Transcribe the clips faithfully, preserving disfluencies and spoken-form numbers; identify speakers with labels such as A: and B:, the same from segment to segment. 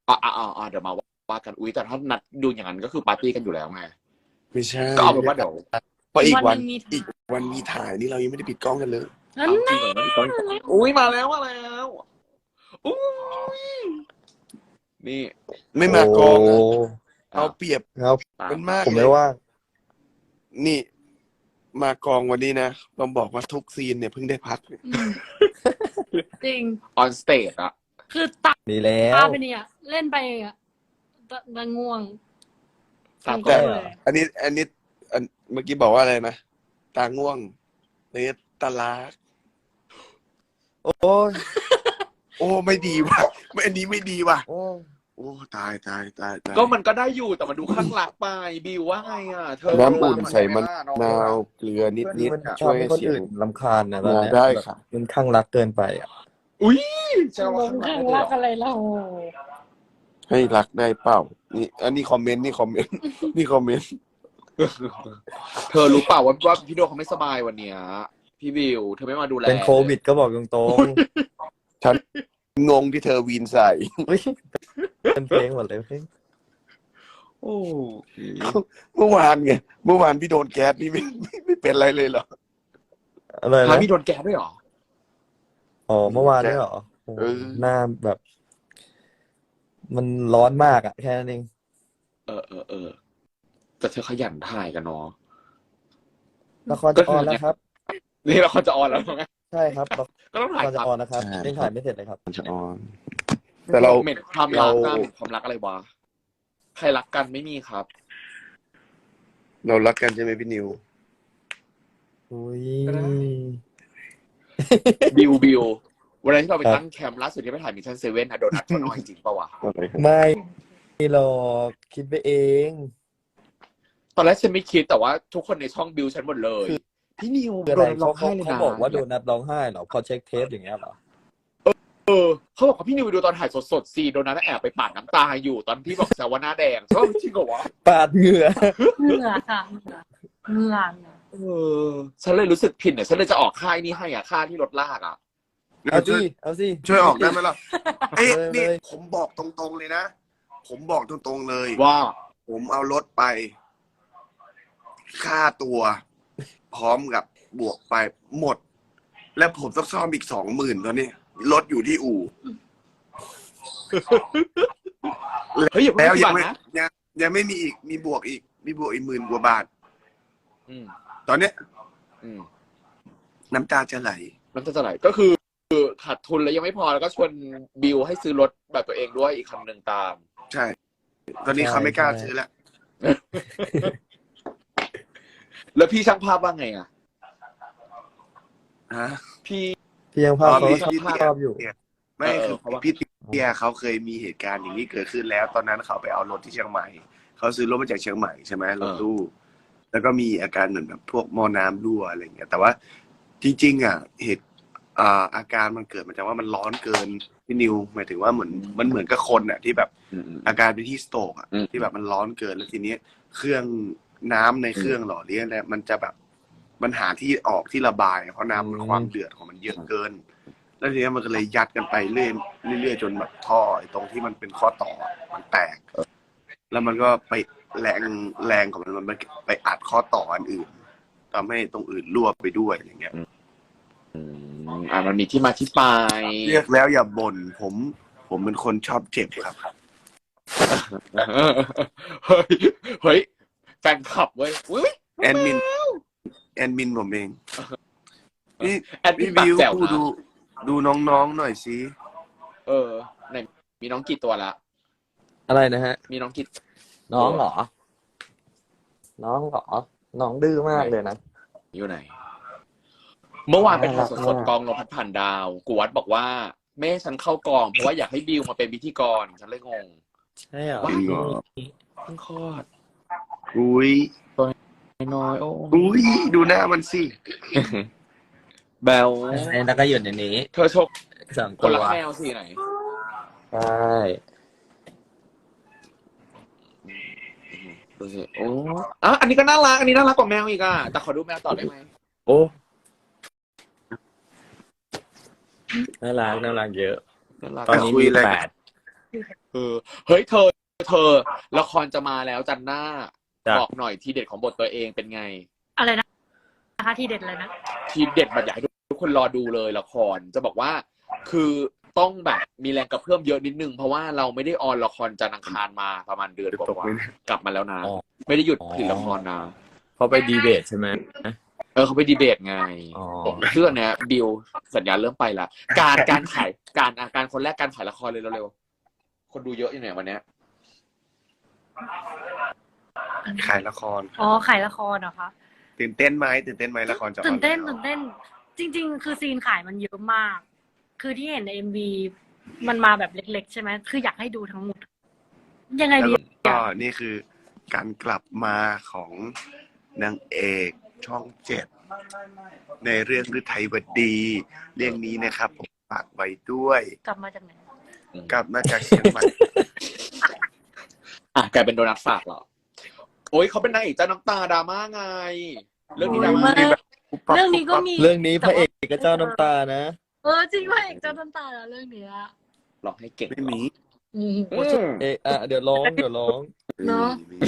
A: อ่าอ่าอ่าเดี๋ยวมาว่ากันอุ้ยแต่ถ้านัดดูอย่างนั้นก็คือปาร์ตี้กันอยู่แล้วไง
B: ไม่ใช่
A: ก็เอาเป็นว่าเดี๋ยว
B: เพราะอีกวัน
C: หนึ่งมี
B: อีกวันมีถ่ายนี่เรายังไม่ได้ปิดกล้องกันเลย
C: นั่น
A: เอาจริ
C: แน่
A: งเหรอต้องอุ้ยมาแล้วมาแล้วอุ้ยนี่
B: ไม่มากองอะ
A: อ้า
B: เอา
A: ว
B: เปรียบ
D: ครับ
B: มันมาก
D: ผม
B: เล
D: ไม่
B: ย
D: ว่าง
B: นี่ มากองวันนี้นะต้องบอกว่าทุกซีนเนี่ยเพิ่งได้พัก
C: อืมจริง
A: ออนสเตจอะ
C: คือตา
D: ดีแล้
C: ตาว ไปเนี่ยเล่นไปอ่ะตาตาง่วง
A: ตา
C: ทั้ง
A: ก็
C: คู่เลย
B: อันนี้ อันนี้อันเมื่อกี้บอกว่าอะไรนะตาง่วงเนี่ยตาลา
D: โอ้ย
B: โอ้ไม่ดีว่ะไม่อันนี้ไม่ดีว่ะ
D: โอ้ย
B: โอ้ตายตายตายตาย
A: ก็มันก็ได้อยู่แต่มันดูข้างหลักไปบิวว่าไงอ่ะเธอ
B: น้ำอุ่นใส่มะ
A: น้อง
B: นาวเกลือนิดนิด
D: มันช
B: ช่
D: อ
B: ว
D: บ
B: ย
D: ให้
B: ให้
D: คน
B: เสีย
D: อื่
B: ง
D: นรำคาญนะตอนเนี้ย
B: ได้ค่ะ
D: มันข้างรักเกินไปอ่ะ
A: อุ้ยจะ
C: ล
A: ว่าง ข้างหลั
C: ข้าง
A: กได้
C: รั
A: เหรอ
C: กอะไรเรา
B: ให้รักได้เปล่านี่อันนี้คอมเมนต์นี่คอมเมนต์ นี่คอมเมนต์
A: เธอรู้เปล่าว่าว่าพี่โดเขาไม่สบายวันเนี้ยพี่บิวเธอไม่มาดูแล
D: เป็นโควิดก็บอกตรง
B: ฉันงงที่เธอวีนใส่
D: ๆอุ๊ยเป็นเพลงหมดเลยเพลง
A: โอ้
B: เมื่อวานไงเมื่อวานพี่โดนแก๊สนี่ไม่ไม่ไม่เป็นอะไรเลยเหรอ
D: อะไร
A: ฮะ
D: นะ
A: มีโดนแกะด้วยเหรอ
D: อ๋อเมื่อวานนี่เหรอโอ้
B: เออ
D: หน้าแบบ มันร้อนมากอ่ะแค่นั้นเอง
A: เออเออเออแต่เธอขยันถ่ายกันเนาะ
D: ละครจะออนแล้วครับ
A: นี่เราจะออนแล้วไง
D: ใช่ครับละ
A: ก็ต้อง
D: ค
A: ถ่าย
D: รจะ
A: ครับ
D: ออนนะครับยังถ่ายไม่เสร็จเลยครับ
B: มันจะออน แต่เรา
A: เหม็นความรัก
B: เรา
A: นะเหม็นความรักอะไรวะใครรักกันไม่มีครับ
B: เรารักกันใช่ไหมพี่นิว
D: อุ้ย
A: ก็ได้ บิวบิววันนั้นที่เราไปตั้งแคมป์ล่าสุดที่ไปถ่ายมิชชั่นเซเว่นอะโดนัทเขาน้อยจริงปะวะ
D: ไม่หรอกคิดไปเอง
A: ตอนแรกฉันไม่คิดแต่ว่าทุกคนในช่องบิวฉันหมดเลย พี่นิว
D: คือ
A: โด
D: อะไร
A: นร้
D: เขา
A: องไห้เลย
D: เขา
A: นะ
D: บอกว่าโดนัทร้องไห้เหรอพอเช็คเทปอย่างเงี้ยเหรอ
A: เออเขาบอกว่าพี่นิวไปดูตอนถ่ายสดๆซีโดนัทแอบไปปาดน้ำตาอยู่ตอนที่บอกแซวว่าหน้าแดงใช่ป่ะจริงเหรอวะ
D: ปาดเหงื่อ
C: เหงื่อค่ะเหงื่อเหงื่อเนี่ย
A: เออฉันเลยรู้สึกผิดเนี่ยฉันเลยจะออกค่ายนี้ให้อ่ะค่าที่รถลากอ่ะ
D: เอาสิเอาสิ
B: ช่วยออกได้ไหมล่ะเอ้ย
D: เลย
B: นี่
D: เลย
B: ผมบอกตรงๆเลยนะ ผมบอกตรงๆเลย
A: ว่า
B: ผมเอารถไป ค่าตัว พร้อมกับบวกไปหมด แล้วผมต้องซ่อมอีกสองหมื่นตอนนี้รถอยู่ที่อู่
A: เฮ้ยอย่าเพิ่ง
B: แล้ว
A: คิด
B: ยัง
A: บาท
B: ไม่
A: นะ
B: ยังยังไม่มีอีกมีบวกอีก มีบวกอีกหมื่นกว่าบาท
A: อืม
B: ตอนเนี้ย
A: อืม
B: น้ำตาจะไหล
A: น้ำตาจะไหลก็คือคือขาดทุนแล้วยังไม่พอแล้วก็ชวนบิวให้ซื้อรถแบบตัวเองด้วยอีกคันหนึ่งตาม
B: ใช่ ตอนนี้เขาไม่กล้าซื้อแล้ว
A: แล้วพี่ช่างภาพว่าไงอ่ะ
B: ฮะ
A: พี่
D: พี่ยังภาพ
B: อ๋อ
D: เขา
B: พี่
D: ชอบ
B: พี่
D: ชอบอยู่
B: ไม่
A: เออ
B: คือ
A: เพราะว่า
B: พี่เตียเขาเคยมีเหตุการณ์อย่างนี้เกิดขึ้นแล้ว ตอนนั้นเขาไปเอารถที่เชียงใหม่เขาซื้อรถมาจากเชียงใหม่ใช่ไหมรถตู้แล้วก็มีอาการเหมือนแบบพวกหม้อน้ำรั่วอะไรเงี้ยแต่ว่าจริงๆอ่ะเหตุอ่าอาการมันเกิดมาจากว่ามันร้อนเกินพี่นิวหมายถึงว่าเหมือนมันเหมือนกับคนอ่ะที่แบบ
A: อืมอืม
B: อาการเป็นที่สโตรกอ่ะ
A: อืม
B: ที่แบบมันร้อนเกินแล้วทีนี้เครื่องน้ำในเครื่องหล่อเลี้ยงเนี่ยมันจะแบบมันหาที่ออกที่ระบายเพราะน้ำมันความเดือดของมันเยอะเกิน แล้วทีนี้มันก็เลยยัดกันไปเรื่อยเรื่อยๆจนแบบท่อไอ้ตรงที่มันเป็นข้อต่อมันแตก แล้วมันก็ไปแรงแรงของมันมันไปอัดข้อต่ออันอื่นทำให้ตรงอื่นรั่วไปด้วยอย่างเงี้ย
A: อืมอ่ามันมีที่มาที่ไป
B: เรียกแล้วอย่าบ่นผม ผมเป็นคนชอบเจ็บครับ
A: เฮ้ยเฮ้ยแฟนคลับเว้ยอุ้ย
B: แอดมินแอดมินผมเองนี่
A: แอดมิ
B: พี่
A: นปาก
B: บิว
A: แจ๋ว
B: ดู
A: นะ
B: ดูดูน้องๆหน่อยสิ
A: เออไหนมีน้องกี่ตัวละ
D: อะไรนะฮะ
A: มีน้องกี่
D: น้องเหรอ น้องเหรอ น้องดื้อมากเลยนะ
A: อยู่ไหน เมื่อวานไปถ่าย
D: น่ารัก
A: ส
D: มา
A: ด
D: ก
A: ๆกองลมพัดผ่านดาวกูวัดบอกว่าแม่ให้ฉันเข้ากองเพราะว่าอยากให้บิวมาเป็นพิธีกรฉันเลยงง
D: ใช่เหรอ
A: ว้า
B: จริงเหรอ
A: เพิ่งคลอด
B: อุ้ย
A: น้อยๆโอ้
B: อุ้ยดูหน้ามันสิ
A: แบล
D: แล้วก็อยู่ในนี้
A: เธอชก
D: สอง
A: ค
D: ตั
A: น
D: ว
A: รักแมวสิไหน
D: ใช่
A: ดูสิโอ้อ่ะอันนี้ก็น่ารักอันนี้น่ารักกว่าแมวอีกอ่ะแต่ขอดูแมวต่อได้ไหม
D: โอ้น่ารักน่ารักเยอะ
A: น่ารัก
D: ตอนนี้
B: คุย
D: มี
B: อะไร
D: แปด
A: เออเฮ้ยเธอเธอละครจะมาแล้วจันหน้า
D: จ้ะ
A: บอกหน่อยทีเด็ดของบทตัวเองเป็นไง
C: อะไรนะนะคะที่เด็ดเลยนะ
A: ทีเด็ดแบบอยากให้ทุกคนรอดูเลยละครจะบอกว่า คือต้องแบบมีแรงกระเพื่อมเยอะนิดนึงเพราะว่าเราไม่ได้ออนละครจันทร์อังคารมาประมาณเดือนกว่าๆกลับมาแล้วนะ
D: อ๋อ
A: ไม่ได้หยุดผลิตละครนะ
D: เขาไปดีเบตใช่ไหม
A: เออเขาไปดีเบตไง
D: อ๋อ
A: เชื่อเนี้ยบิวสัญญาณเริ่มไปละการการขายการอาการคนแรกการขายละครเลยเร็วๆคนดูเยอะอยู่ไหนวันเนี้ย
B: ขายละคร
C: อ๋อขายละครเหรอคะ
B: ตื่นเต้นไหมตื่นเต้นไหมละครจะออ
C: ตื่นเต้น
B: แล้ว
C: ตื่นเต้น จริง ๆ คือซีนขายมันเยอะมาก คือที่เห็นในเอ็มวีมันมาแบบเล็ก ๆ ใช่ไหมคืออยากให้ดูทั้งหมด ยังไง
B: แล้ว
C: ดี
B: ก็นี่คือการกลับมาของนางเอกช่องเจ็ดในเรื่องฤทัยวดี เรื่องนี้นะครับผมฝากไว้ด้วย
C: กลับมาจากไหน
B: กลับมาจากเชียงใหม่
A: อ่ะกลายเป็นโดนัทฝากเหรอโอ้ยเขาเป็นนางเอกเจ้าน้ำตาดราม่าไง เรื่องนี้ดราม่า
C: โอ้ยไม่ เรื่องนี้ก็มี
D: เรื่องนี้พระเอกก็เจ้าน้ำตานะ
C: เออจริงว่าเอกเจ้าน้ำตาแล้วเรื่องเนี้ย
A: ร้องให้เก่ง
B: ไม่มี
C: อืม
A: อืม
D: เอะอ่ะเดี๋ยวร้องเดี๋ยวร้อง
C: เนอะ
B: ไม่มี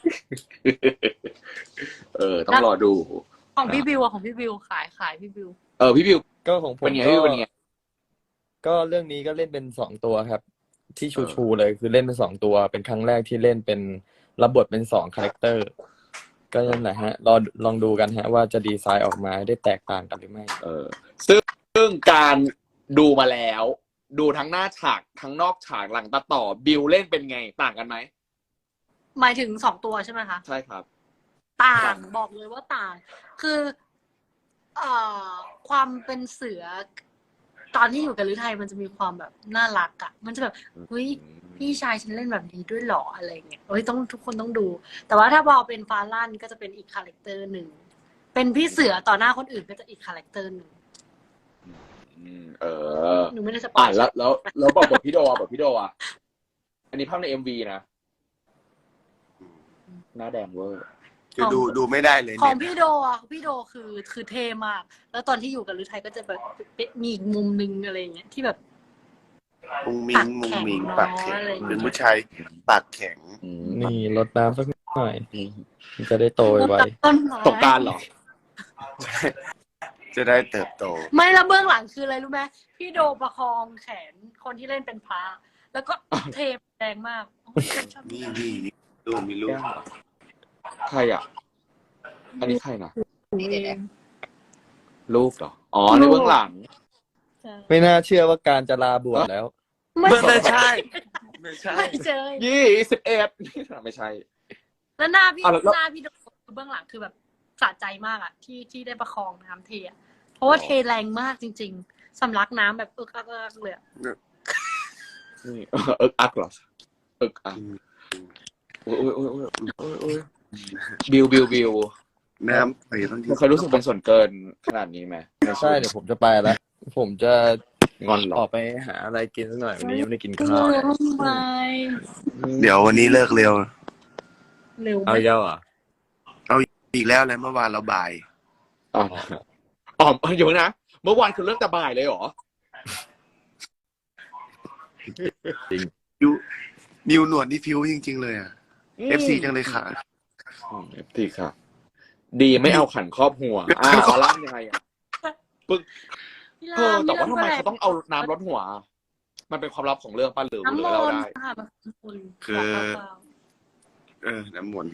A: เออ ต้องรอดู
C: ของพี่บิวอะของพี่บิวขายขายพี่บิว
A: เออพี่บิว
D: ก็ของผม
A: เป็นไง
D: ก็
A: พี่เป็นไง
D: ก็เรื่องนี้ก็เล่นเป็นสองตัวครับ ที่ชูชูๆเลยคือเล่นเป็นสองตัว เป็นครั้งแรกที่เล่นเป็นรับบทเป็นสองคาแรคเตอร์ ก็นั่นแหละฮะรอลองดูกันฮะ ว่าจะดีไซน์ออกมาได้แตกต่างกันหรือไม่
A: เออซึ่งซึ่งการดูมาแล้ว ดูทั้งหน้าฉากทั้งนอกฉากหลังตัดต่อบิวเล่นเป็นไงต่างกันไหม
C: หมายถึงสองตัวใช่ไหมคะ
A: ใช่ครับ
C: ต่า
A: ต่าง ง
C: บอกเลยว่าต่าง คือเอ่อความเป็นเสือ ตอนที่อยู่กับฤทัยมันจะมีความแบบน่ารักอะมันจะแบบเฮ้ยพี่ชายฉันเล่นแบบนี้ด้วยเหรออะไรเงี้ยเฮ้ยต้องทุกคนต้องดู แต่ว่าถ้าพอเป็นฟาลั่นก็จะเป็นอีกคาแรคเตอร์หนึ่งเป็นพี่เสือต่อหน้าคนอื่นก็จะอีกคาแรคเตอร์หนึ่ง
A: อืมเออ
C: หนูไม่ได้สปอ
A: อ่ะ
C: ย
A: แล้วแล้วแล้วบอกบทพี่โดอ่ะบทพี่โดอ่ะอันนี้ภาพในเอ็มวีนะหน้าแดงเวอร์
B: คือดูดูไม่ได้เลย
C: ของ
B: เนี่ย
C: พี่โดอ่ะพี่โดคือคือเท่มาก แล้วตอนที่อยู่กับฤทัยก็จะแบบมีอีกมุมนึงอะไรเงี้ยที่แบบ
B: มุงมิงมุงมิงปากแข็ง
C: อะไรอย่างเงี้ย
B: เป็นผู้ชายปากแข็ง
A: อืม
D: นี่รดน้ำสักหน่อยมันจะได้โตไว
C: ต้นไม้
A: ตกกรารเหรอ
B: จะได้เติบโต
C: ไม่แล้วเบื้องหลังคืออะไรรู้ไหมพี่โดประคองแขนคนที่เล่นเป็นพระแล้วก็เทแรงมากโอ้ยชอบ
B: นี่นี่นี่ลูกมีลูก
A: ใครอ่ะ อันนี้ใครนะ
C: เอง
A: รูปเหรอ อ๋อ ในเบื้องหลัง
C: ใช่
D: ๆ ไม่น่าเชื่อว่าการจะลาบวชแล้ว
C: ไม่
B: ไม่ใช่ ไม่ใช่
C: ไม่เจอ
A: ยี่สิบเอ็ดไม่ใช่
C: แล้วหน้าพี่
A: อ่ะแล้ว
C: หน้าพี่โดคือเบื้องหลังคือแบบสะใจมากอ่ะ ที่ที่ได้ประคองน้ำเทอะเพราะว่าเทแรงมากจริง ๆสำลักน้ำแบบเอิกอักเอิกอักเลยอะ
A: นี่เอิกอักเหรอเอิกอักโอ้ยโอ้ยโอ้ยโอ้ยโอ้ยโอ้ยบิวบิวบิว
B: น้ำไปต้อง
A: มันเคยรู้สึกเป็นส่วนเกินขนาดนี้ไหมในชี
D: ใช่
A: วิต
D: เดี๋ยวผมจะไปแล้ว ผมจะ
A: งอนเหร
D: อ
A: อ
D: อกไปหาอะไรกินสักหน่อยวันนี้ยังไม่ได้กิน
C: เอ
D: ข้าว
C: อ
D: เลย
C: ทำไม
B: เดี๋ยววันนี้เลิกเร็ว
C: เร็ว
D: เอา
C: ไหม
D: เยอะเหรอ
B: อีกแล้วเลยเมื่อวานเราบ่าย
A: อ๋ออ๋ออยู่นะ เมื่อวานคือเลิกแต่บ่ายเลยเหรอ
B: นิวนิวหนวดนี่ฟิวจริง ๆ เลยอ่ะ เอฟซีจังเลยค่ะ
A: เอฟซีค่ะ ดีไม่เอาขันครอบหัวอ่าเอาล่ามยังไงอ่ะ
C: พี่
A: เออ
C: ราม
A: แต่ว่าทำไม
C: พี่ร
A: เขาต้องเอาน้ำรดหัว มันเป็นความลับของเรื่องป้าหรือ
C: น้ำ
A: หรื
C: ม
A: อเรา
C: นต์
A: ได้
C: ค่ะน้ำมนต์
B: คือ
C: เปล่า
B: เออ น้ำมนต์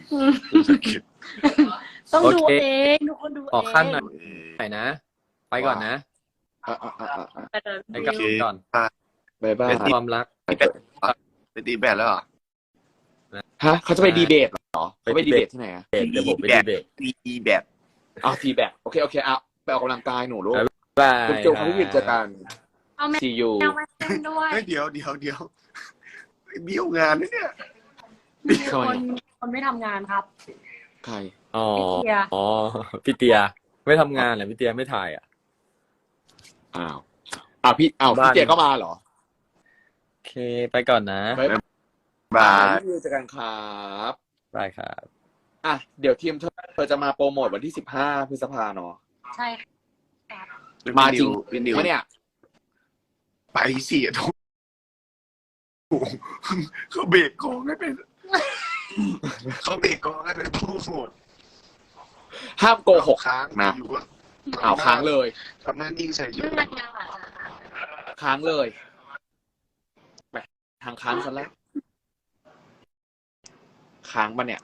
C: ๆต้องดูเองทุกคนดูเอง
D: ขอขั้นหน่อย
B: เออ
D: ไหนนะ ไปก่อนนะ
A: อ่ะอ่ะอ่ะอ่ะอ่ะ
C: แต่เดี๋ยว
D: ไปกับ
C: ดู
D: ก่อน
A: บายบาย
D: ความรัก
B: ไปตีแบดแล้วเหรอ
A: ฮะเขาจะไปดีเบตเหรอเขาไปดีเบตที่ไหนอ่ะ
D: เดี๋ยวผมไปดีเบต
B: ตีแบด
A: อ้าวทีแบตโอเคโอเคอ่ะไปออกกำลังกายหนูลูก
D: บาย
A: จุ๊บจุ๊บเขาพี่วินเจอกัน
C: เอาแม
A: ซียู
C: วมาเต้นด้วย
B: เฮ้ยเดี๋ยวเดี๋ยวเดี๋ยวเบี้ยวงานนะเนี่ย
C: มีคนคนไม่ทำงานครับ
A: ใคร
D: อ๋อ
C: พี่เตีย
D: อ๋อพี่เตียไม่ทำงานเหรอพี่เตียไม่ถ่ายอ่ะ
A: อ้าวอ้าวพี่อ้าว
D: บ้า
A: พี่
D: น
A: เจก็มาเหรอ
D: โอเค ไปก่อนนะ
A: บาย
B: บา
A: บาย
B: ย
A: พี่วิวเจอกันครับ
D: บายครับ
A: อ่ะเดี๋ยวทีมเธอเธอจะมาโปรโมทวันที่สิบห้าพฤษภาเนาะ
C: ใช่ครับ
A: มาจริง
B: พี่นิว
A: ไหมเนี่ย
B: ไปสิทุกเขาเบรกกองให้เป็นเขาเบรกกองให้เป็นผู้โหด
A: ห้ามโกหก
B: ค้าง
A: นะ
B: อยู่ว่า
A: อ้าวค้างเลย
B: ทำหน้านิ่งใส่อยู่
A: ค้างเลยไปทางค้างซะแล้วค้างปะเนี่ย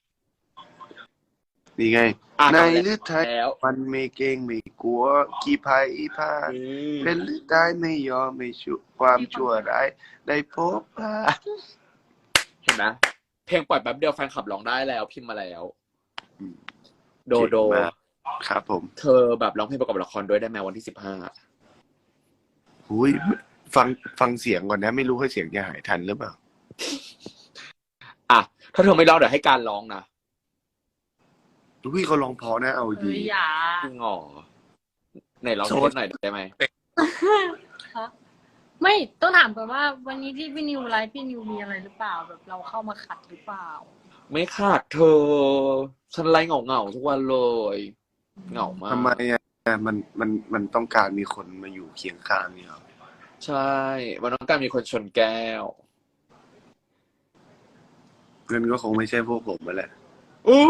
B: นี่ไง
A: อ่ะ
B: ใน
A: กลับมา
B: ฤทัย
A: แล้ว
B: มันไม่เก่งไม่กลัวกี่ภัยพลาดเป็นฤทัยไม่ยอมไม่ชั่วความชั่วร้ายได้พบพา
A: เห็นไหมเพลงปล่อยแป๊บเดียวแฟนคลับร้องได้แล้วพิมพ์มาแล้ว
B: อืม
A: โดโด
B: เก่งมากครับผม
A: เธอแบบร้องเพลงประกอบละครด้วยได้ไหมวันที่สิบห้า
B: หุยฟังฟังเสียงก่อนนะ ไม่รู้ว่าเสียงจะหายทันหรือเปล่า
A: อ่ะถ้าเธอไม่ร้องเดี๋ยวให้การร้องนะ
B: อุ้ยเขาลองเพอนะเอา
C: เฮ้
B: ดี
C: ยอย่า
A: จริงเหรอไหนร้อง
B: โซ
A: เพล
B: ด
A: งหน่อยได้ไหม
C: ไม่ต้องถามก่อนว่าวันนี้ที่พี่นิวไลฟ์พี่นิวมีอะไรหรือเปล่าแบบเราเข้ามาขัดหรือเปล่า
A: ไม่ขาดเธอ ฉันไล่เหงาเหงาๆทุกวันเลยเหงามาก
B: ทำไมอ่ะมันมันมันต้องการมีคนมาอยู่เคียงข้างเนี่ยหรอ
A: ใช่วันน้องการมีคนชนแก้ว
B: เงินก็คงไม่ใช่พวกผมมาแหละ
A: อู้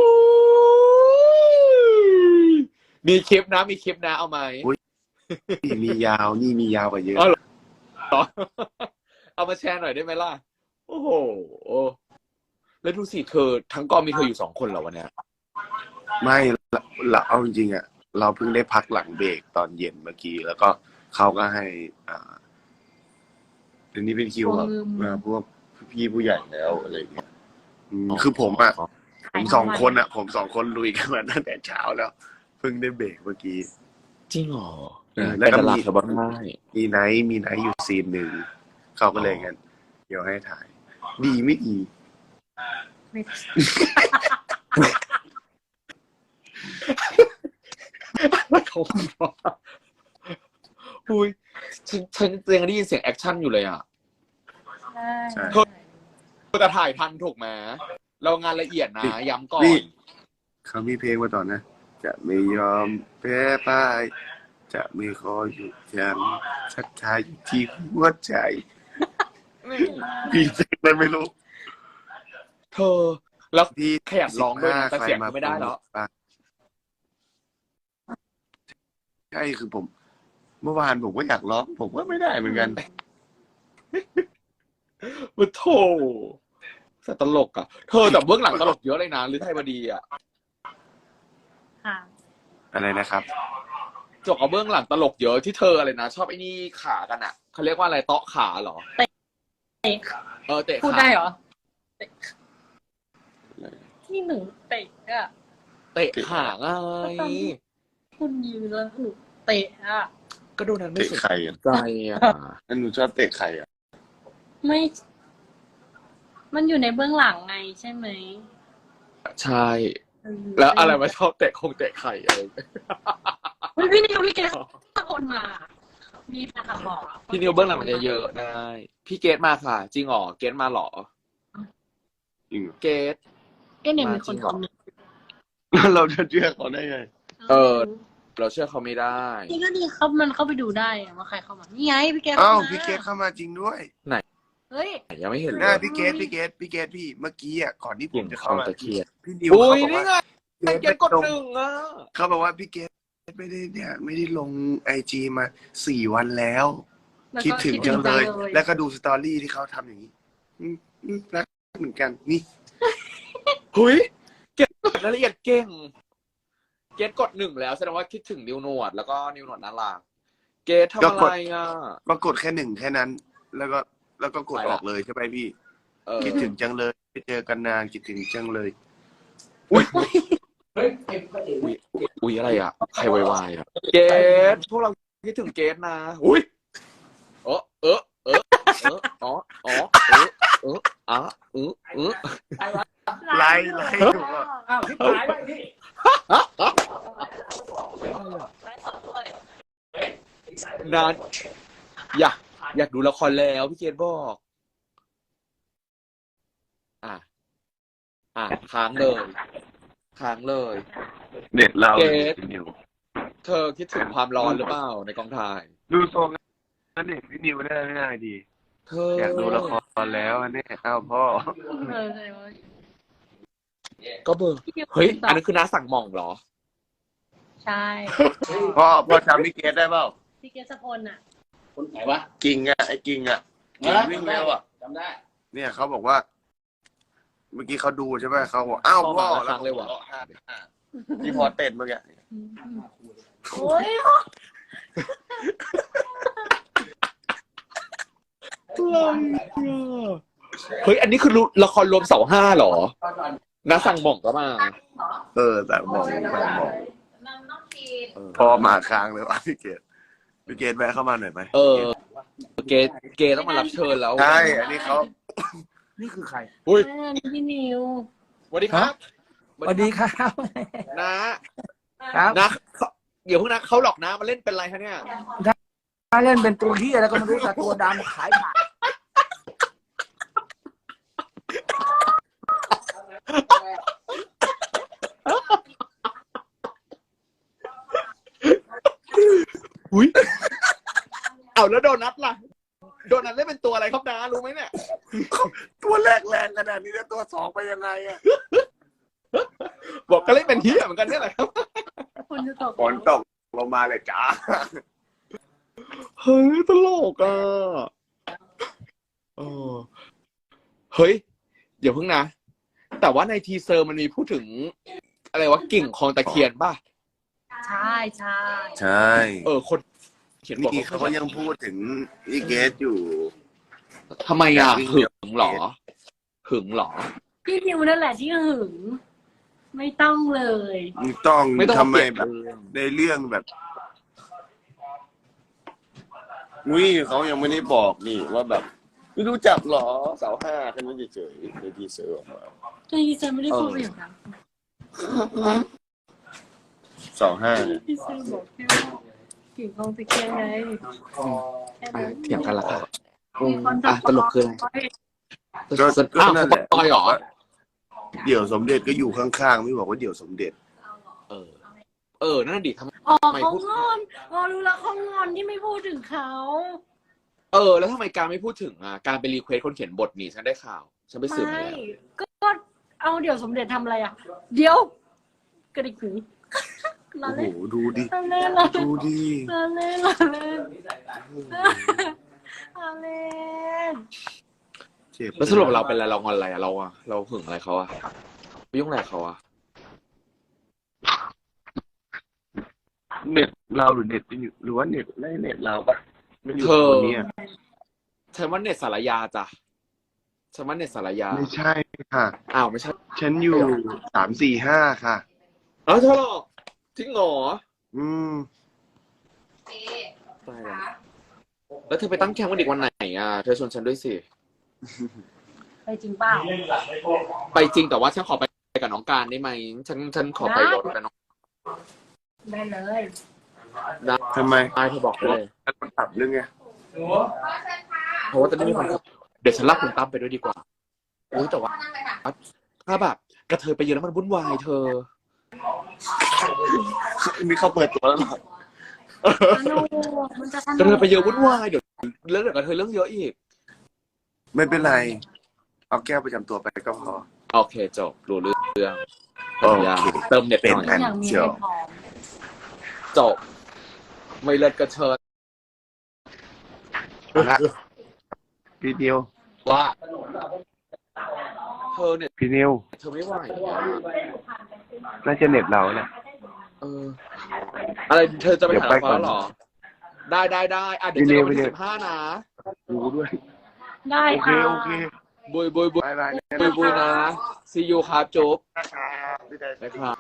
A: ยมีคลิปนะมีคลิปนะเอาไหม
B: นี่มียาวนี่มียาวกว่าเยอะ
A: อ๋อเหรอ เอามาแชร์หน่อยได้ไหมล่ะ โอ้โห แล้วดูสิเธอทั้งกองมีเธออยู่สองคนเหรอวันเนี้ย
B: ไม่เราเราเอาจริงๆอ่ะเราเพิ่งได้พักหลังเบรกตอนเย็นเมื่อกี้ แล้วก็เขาก็ให้ อ่าเดี๋ยวนี้เป็นคิวแบบอ่าพวกพี่ผู้ใหญ่แล้วอะไรอย่างเงี้ยอืมคือผมอ่ะผมสองคนอ่ะ ผมสองคนลุยกันมาตั้งแต่เช้าแล้ว เพิ่งได้เบรกเมื่อกี้
A: จริงเหรอ
B: เออ
A: ไป
B: แล้วก็
A: ตลาด
B: มี
A: เธอบ้างได้
B: มีไนท์มีไนท์อยู่ซีนหนึ่งเขาก็เลยงั้นเดี๋ยวให้ถ่าย ดีไม่ดี
C: ไม่
A: เขาบอกอุ้ยฉันฉันยังได้ยินเสียงแอคชั่นอยู่เลยอ่ะ
C: ใช่
B: ใช่
A: เราจะถ่ายทันถูกไหมเรางานละเอียดนะย้ำก่อ
B: นี่
A: น
B: เขามีเพลงมาต่อนนะ จะไม่ยอมแพ้พ่าย จะไม่ขอหยุดยั้งศรัทธาอยู่ที่หัวใจพี่เจ๊เลยไม่รู้
A: เธอ แล้ว
B: พี่
A: ขยันร้องด้วยนะแต่เสียงไม่ได้แล้ว
B: ใช่คือผม เมื่อวานผมก็อยากร้อง ผมก็ไม่ได้เหมือนกัน
A: มันโถแต่ตลกอ่ะ เธอแต่เบื้องหลังตลกเยอะเลยนะหรือไทยบดีอ่ะ
C: ค่ะ
B: อะไรนะครับ
A: จกกับเบื้องหลังตลกเยอะที่เธออะไรนะชอบไอ้นี่ขากันอ่ะเขาเรียกว่าอะไรเตาะขาเหรอ
C: เตะ
A: เออเตะขา
C: พูดได้เหรอเตะที่หนูเตะอะ
A: เตะขาไง
C: คุณยืนแล้วหนูเตะอะ
A: ก็ดูนั้นไม่
B: เตะ
A: สน
B: ใครอ่ะ
A: ใจอ่ะ
B: นั่นหนูชอบเตะใครอ่ะ
C: ไม่ มันอยู่ในเบื้องหลังไงใช่ไหม
A: ใช่
C: เออ
A: แล้วอะไรมาชอบเตะคงเตะไข่อะไร
C: เฮ้ยพี่นิวพี่เกศตะโกนมา มีแฟนคลับบอกอะ
A: พี่นิวเบื้องหลังมันจะเยอะได้พี่เกตมาค่ะ จริงเหรอเกตมาเหรอ
B: จริงเหรอ
A: เกต
C: ก็เนี่ยมีคนคอมเมนต์
B: เราจะเชื่อเขาได้ไง
A: เออ เราเชื่อเขาไม่ได้
C: นี่ก็ดีเขามันเข้าไปดูได้อะว่าใครเข้ามา นี่ไงพี่เกศ
B: อ้าว
C: ข้ม
B: พี่เกตเข้ามาจริงด้วย
C: เฮ้ย
A: ยังไม่เห็นเล
B: น่าย พี่เกตพี่เกตพี่เกตพี่เมื่อกี้อ่ะก่อนที่ผมจะเข้ามา
A: ตะเคียน
B: พี่นิว
A: อุ้
B: เขา
A: ย
B: บอก
A: นี่
B: ว่า
A: ไงเกตกดหนึ่งอ่ะ
B: เขาบอกว่าพี่เกตไม่ได้เนี่ย ไม่ได้ลงไอจีมาสี่วันแล้ว
C: แล้วก็
B: คิดถึงจังเลย
C: คิดถึง
B: แล้วก็ดูสตอรี่ที่เขาทำอย่างนี้อืมอืมรักเหมือนกันนี่
A: หุยเกตรายละเอียดเก่ง เกตกดหนึ่งแล้วแสดงว่าคิดถึงนิวหนวดแล้วก็นิวหนวดน่ารักเกตทำอะไรอ่ะ
B: ก็กดแค่หนึ่งแค่นั้น แล้วก็แล้วก็กด
A: ไป
B: อ
A: ละ
B: อกเลยใช่ไหมพี่
A: เออ
B: คิดถึงจังเลยไม่เจอกันนานคิดถึงจังเลย
A: อุ้ยอุ้ยอะไรอ่ะ ใครวายๆอ่ะ เกตพวกเราคิดถึงเกตนะ อุ้ยเออเออเออเอออ๋ออ๋อเออเอออ่ะเออเออ
B: ไล่ไล่ถูกอ่ะ
E: อ้าวพี่ตายไปพี่
A: นานอยากอยากดูละครแล้วพี่เกตบอก อ่ะ อ่ะค้างเลย ค้างเลย
B: เด็ดเรา
A: เกต
B: พี่นิว
A: เธอคิดถึงความร้อนหรือเปล่าในกองถ่าย
B: ดูทรงนั่นเด็กพี่นิวได้ไม่ได้ดี
A: เธอ
B: อยากดูละครอนแล้วอันนี้อ้าวพ่อ
C: เอออะไรวะ
A: ก็เบอร์เฮ้ยอันนั้นคือน้าสั่งหม่องเหรอ
C: ใช่
B: พ่อพ่อจำพี่เกดได้เปล่า
C: พี่เกศพลอ่ะ
E: คนไหนวะ
B: กิ่งอ่ะไอ้กิ่งอ่ะกิ่งวิ่งเร็วอ่ะ
E: จำได้
B: เนี่ยเขาบอกว่า เมื่อกี้เขาดูใช่ไหมเขาบอกอ้าวพ่อ
A: พ่อมาครั้งเลยว่ะ
B: ที่พอเต้นเมื่อกี้
C: โอ้ย
A: เฮ้ยอันนี้คือละครรวมเสาห้าเหรอน้าสั่งหม่องก็มา
B: เออแต่มองแต่มอง
C: น้ำน้องพีน
B: พ่อมาค้างเลยว่ะพี่เกดพี่เกดแวะเข้ามาหน่อยไหม
A: เออ เกเกต้องมารับเชิญแล้ว
B: ใช่อันนี้เขา
E: นี่คือใคร
A: อุ้ย
C: อันนี้พี่นิว
A: สวัสดีครับ
E: สวัสดีครับ
A: นะครับ นะเขาเดี๋ยวเพิ่งนะเขาหลอกนะมาเล่นเป็นไรคะเนี่ย
E: ถ้าเล่นเป็นตัวเฮียแล้วก็ไม่รู้แต่ตัวดำขายผัก
A: อุ้ยเอาแล้วโดนัทล่ะโดนัทเล่นเป็นตัวอะไรครับนะรู้ไหมเนี่ย
B: ตัวแรกแรงขนาดนี้แล้วตัวสองไปยังไงอ่ะ
A: บอกก็เล่นเป็นเฮียเหมือนกันเนี่ยแหละครับ
C: คุณจะตก
B: ฝนตกลงมาเลยจ้า
A: เฮ้ยตลกอ่ะเออเฮ้ยเดี๋ยวเพิ่งนะ แต่ว่าในทีเซอร์มันมีพูดถึง อะไรวะกิ่งคลองตะเคียนป่ะ
C: ใช่ใช่
B: ใช่
A: เออคนเขียนบอก
B: นี่เขาก็ยังพูดถึงพี่เกดอยู่
A: ทำไมอ่ะหึงเหรอหึงเหรอ
C: พี่นิวนั่นแหละที่หึง ไม่ต้องเลย
B: ต้อง
A: ไม่ต้อง
B: ทำไม
A: เปลี่ยน
B: แบบ
A: เรื่อง
B: ในเรื่องแบบอุ้ยเขายังไม่ได้บอกนี่ว่าแบบไม่รู้จักหรอเสาห้าแค่นั้นเฉยๆในทีเซอร์ออกมา
C: พี่เซอร์ไม่ได้พูดอย่างนั้น
B: เสาห้า
C: พี่เซอร์บอกแค่ว่ากิ่งคลองตะเคียนไงแค่
A: อ่ะ
C: นั้น
A: เถียงกันละครับ
C: มีคน
A: อ่ะตลกคืออะไร
B: ก็ก็
A: อ้าว
B: นั่น
A: เขา
B: แหละ
A: ปอยเหรอ
B: เดี่ยวสมเด็จก็อยู่ข้างๆไม่บอกว่าเดี่ยวสมเด็จ
A: เออ เออ นั่นดิทำ
C: อ๋อ
A: ไม่
C: เขา
A: พูด
C: งอนอ๋อรู้แล้วเขางอนที่ไม่พูดถึงเขา
A: เออ แล้วทำไมการไม่พูดถึงอ่ะ การไปรีเควสคนเขียนบทนี่ฉันได้ข่าว ฉันไปสืบมา
C: ไม่
A: แล้ว
C: ก็ก็เอาเดี๋ยวสมเด็จทำอะไรอ่ะ เดี๋ยวกระดิกหูลา
B: โอ้โห
C: เล่น
B: ดูดิ
C: ลาเล่นลาเล่น
B: ดูดิ
C: ลาเล่นลาเล่นลาเล่น
B: เจ็บ
A: แล้วสรุปเราเป็นอะไรเรางอนอะไรอ่ะเราอ่ะเราหึงอะไรเขาอ่ะไปยุ่งอะไรกับเขาอ่ะ
B: เน็ตเราหรือเน็ตอยู่หรือว่าเน็ตไม่เน็ตเราปะไม่อยู่
A: เธอ
B: ตัวเนี้ย
A: ฉันว่าเน็ตสารยาจ้ะฉันว่าเน็ตสารยา
B: ไม่ใช่ค่ะ
A: อ้าวไม่ใช่
B: ฉันอยู่สามสี่ห้าค่ะ
A: อ้าวเธอหรอจริงเหรอ
B: อืม
A: ตายแล้วแล้วเธอไปตั้งแคมป์วันเด็กวันไหนอ่ะเธอชวนฉันด้วยสิ
C: ไปจริงเปล่า
A: ไปจริงแต่ว่าฉันขอไปกับน้องการได้ไหมฉันฉันขอไปรถกับน้อง
C: ได้เลย
A: ได้
B: ทำไม
A: ได้เธอบอกเลย
B: มันตัดเรื่องไง
A: เพราะว่าจะไม่มีคนขับเดี๋ยวฉันลากคุณตั้มไปด้วยดีกว่าโอ้ยแต่ว่าถ้าแบบกระเทยไปเยอะแล้วมันวุ่นวายเธอ
B: นี่เขาเปิดตัวแล้วเหรอ
C: สนุกมันจะสนุก
A: กระเทยไปเยอะวุ่นวายเดี๋ยวเรื่องเดี๋ยวกระเทยเรื่องเยอะอีก
B: ไม่เป็นไร เอาแก้วประจำตัวไปก็พอ
A: โอเคจบรู้เรื่อง
B: โอเค
A: เติมเน็ตห
B: เป็น
A: น่อย
B: แผ่น
C: อย่างมี
B: เชียว
C: ให้พร้อม
A: จบไม่เลิศกระเทย
B: ละพี่นิว
A: ว่าเธอเนี่ย
B: พี่นิว
A: เธอไม่ไหวอะ
B: น่าจะเน็ตเราแหละ
A: เอออะไรเธอจะไป
B: เดี๋ยว
A: หา
B: ไป
A: เขา
B: ก่อน
A: เหรอ ได้ได้ได้อ่ะเดี๋ยว
B: ไป
A: เจ
B: เร็
A: อ
B: ว
A: กันวัน
B: ไปเร็
A: ที่
B: ว
A: สิบห้านะ
B: รู้ด้วย
C: ได้
B: โอเค
C: ค่ะ
B: โอเค
A: บุยบุยบุย
B: บายบาย
A: บุยบุยนะ see you ครับจุ๊บ
B: พี่ได้
A: ได้ครับ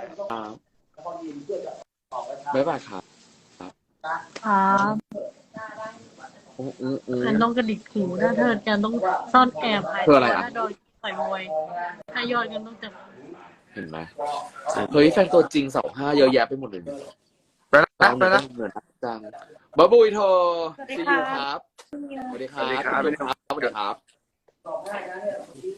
A: บ๊ายบายครับ
C: ครับ
A: อู้อู้อู้
C: แอนต้องกระดิกหูนะเธอแอนต้องซ่อนแอบหาย
A: เพื่ออะไรอ่ะ
C: ถ้าโดนต่อยมวยถ้ายอดกันต้องจับ
A: เห็นไหมเฮ้ยแฟนตัวจริงเสาห้าเยอะแยะไปหมดเลยเนี่ย
B: ไปละ
A: เรา
B: ไป
A: เนี่ย
B: ละ
A: ต้องเงินจังบ๊ายบุยเธอ see you ครับสวัสดีครับ
B: สวัสดีครับ
A: สวัสดีครับสวัสดีครับ